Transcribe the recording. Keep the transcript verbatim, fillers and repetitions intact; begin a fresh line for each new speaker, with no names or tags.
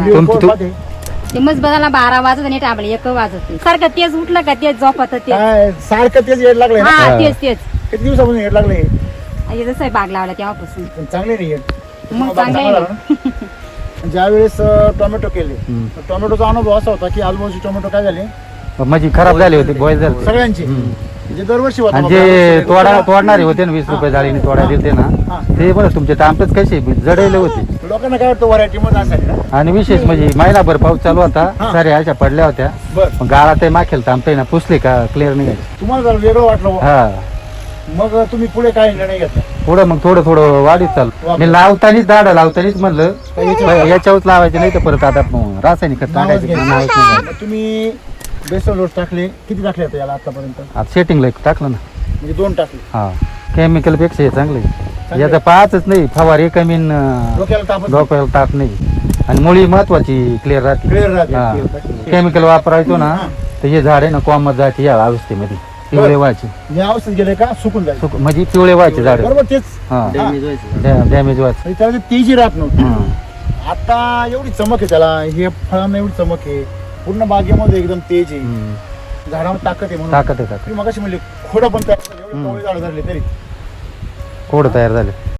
Video
तुमची-
कोण
तू-
पाहते?
ते मग बघायला बारा वाजत आणि टाबले एक वाजत सारखं तेच उठलं का तेच झोपत तेच
काय सारखं तेच येड लागलंय ना?
हा
हा.
तेच तेच
किती दिवसापासून येड लागले
हे जसं बाग लावला तेव्हापासून
पण चांगले नाही येड
मग
बाग
चांगलं आहे
चांगला
ना.
लागला ना? ज्या वेळेस अं, टोमॅटो केले
हम्म.
तर टोमॅटोचा अनुभव असा होता की आजूबाजूची टोमॅटो काय झाले
म्हणजे खराब झाली होती बॉय झाली
सगळ्यांची म्हणजे दरवर्षी होता
आणि
बाबा.
जे तोडा
लोकांना-
तोडणारे होते ना वीस रुपये जाळीने तोडा दिलते ना
हा.
ते बरं तुमचे तांबेच कसे जडले होते.
लोकांना काय वाटतं व्हरायटी मध्ये असेल ना
आणि विशेष म्हणजे महिनाभर पाऊस चालू होता
हा.
साऱ्या अशा पडल्या होत्या
बर
मग गाळा ते माखेल तांबते ना पुसले का क्लिअर नाही
तुम्हाला जरा वेगळं वाटलं बुवा.
हा
मग तुम्ही पुढे काय निर्णय घेतला
पुढं मग थोडं थोडं वाढीत चालू मी लावतानीच दाडा लावतानीच म्हणलं याच्यावरच लावायचे नाही तर परत आता मग रासायनिक खत
नावच
टाकायचं
घ्यायचं.
नावच नाही घ्यायचं.
मग तुम्ही बेसल डोस टाकले किती टाकले होते याला आतापर्यंत
आता सेटिंगला एक टाकलं ना
म्हणजे दोन टाकले
हा केमिकल पेक्षा हे चांगले
चांगले.
याचा पाचच नाही फवारे कमी न
डोक्याला तापच
डोक्याला ताप नाही आणि मुळी महत्वाची क्लिअर राहते
क्लिअर राहते
हा.
clear राहते.
केमिकल वापरायचो ना
हा.
तर हे झाड आहे ना कॉमत जायचे या अवस्थेमध्ये पिवळे व्हायचे
हे औषध गेले का सुकून जाईल
सुक- म्हणजे पिवळे व्हायचे झाड
बरोबर तेच
हा
हा.
डॅमेज व्हायचे
म्हणजे त्याला ते तेजी राहत नव्हती
हम्म.
आता एवढी चमक आहे त्याला हे फळांना एवढी चमक आहे पूर्ण बागेमध्ये एकदम तेज आहे
हम्म.
झाडावर ताकद आहे म्हणून
ताकद आहे ताकद
तुम्ही मगाशी म्हणले खोडं पण तयार झालं, एवढे कवळे झाडं झाले तरी
कोड तयार झाले